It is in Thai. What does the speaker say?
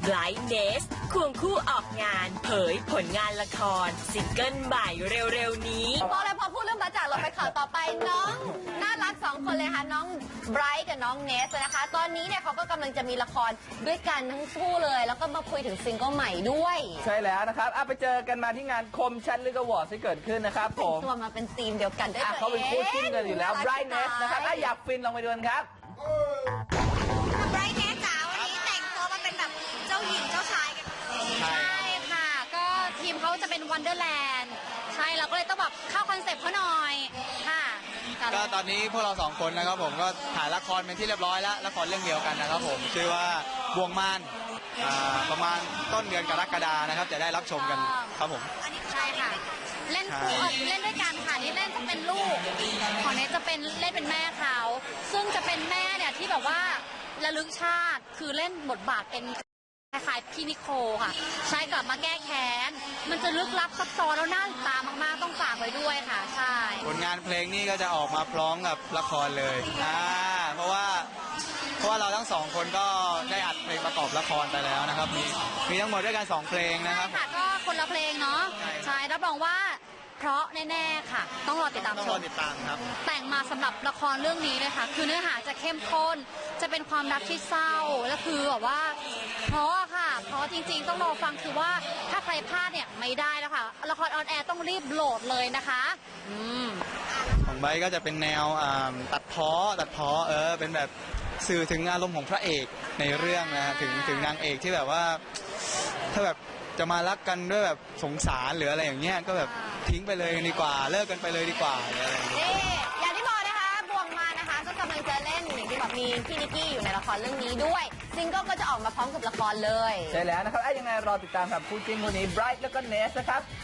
ไบรท์เนสควงคู่ออกงานเผยผลงานละครซิงเกิลใหม่เร็วๆนี้พอเลยพอพูดเรื่องบ้าจ่างเราไปข่าวต่อไปน้องน่ารัก2 คนเลยค่ะน้องไบรท์กับน้องเนสนะคะตอนนี้เนี่ยเขาก็กำลังจะมีละครด้วยกันทั้งคู่เลยแล้วก็มาคุยถึงซิงเกิลใหม่ด้วยใช่แล้วนะครับไปเจอกันมาที่งานคมชัดลึกอวอร์ดที่เกิดขึ้นนะครับผมตัวมาเป็นทีมเดียวกันด้วยเขาเป็นคู่จิ้นกันอยู่แล้วไบรท์เนสนะครับอยากฟินลองไปดูกันครับไบรท์เนสจ๋าวันนี้แต่งตัวมาเป็นแบบเจ้าหญิงเจ้าชายกันใช่ค่ะก็ทีมเขาจะเป็นวันเดอร์แลนด์ใช่เราก็เลยต้องแบบเข้าคอนเซ็ปต์เขาหน่อยค่ะก็ตอนนี้พวกเรา2 คนนะครับผมก็ถ่ายละครเป็นที่เรียบร้อยแล้วละครเรื่องเดียวกันนะครับผมชื่อว่าบ่วงมารประมาณต้นเดือนกรกฎานะครับจะได้รับชมกันครับผมใช่ค่ะเล่นคู่เล่นด้วยกันค่ะนี่เล่นจะเป็นลูกของเนสจะเป็นเล่นเป็นแม่เขาซึ่งจะเป็นแม่เนี่ยที่แบบว่าระลึกชาติคือเล่นบทบาทเป็นคล้ายๆพี่นิโคค่ะใช้กลับมาแก้แค้นมันจะลึกลับซับซ้อนแล้วน่าติดตามมากๆต้องฝากไว้ด้วยค่ะใช่ผลงานเพลงนี้ก็จะออกมาพร้อมกับละครเลยเพราะว่าเราทั้ง2 คนก็ได้อัดเพลงประกอบละครไปแล้วนะครับมีทั้งหมดด้วยกัน2 เพลงนะครับค่ะก็คนละเพลงเนาะใช่รับรองว่าเพราะแน่ๆค่ะต้องรอติดตามชมครับแต่งมาสำหรับละครเรื่องนี้เลยค่ะคือเนื้อหาจะเข้มข้นจะเป็นความรักที่เศร้าและคือแบบว่าเพราะค่ะเพราะจริงๆต้องรอฟังคือว่าถ้าใครพลาดเนี่ยไม่ได้แล้วค่ะละครออนแอร์ต้องรีบโหลดเลยนะคะของไบร์ทก็จะเป็นแนวตัดพ้อเป็นแบบสื่อถึงอารมณ์ของพระเอกในเรื่องนะถึงนางเอกที่แบบว่าถ้าแบบจะมารักกันด้วยแบบสงสารหรืออะไรอย่างเงี้ยก็แบบทิ้งไปเลยดีกว่าเลิกกันไปเลยดีกว่าอะไรอย่างเงี้ยอย่างที่บอกนะคะบ่วงมานะคะก็กำลังจะเล่นอย่างที่แบบมีพี่นิกกี้อยู่ในละครเรื่องนี้ด้วยซิงเกิลก็จะออกมาพร้อมกับละครเลยใช่แล้วนะครับยังไงรอติดตามกับคู่จิ้นคู่นี้ไบรท์แล้วก็เนสนะครับ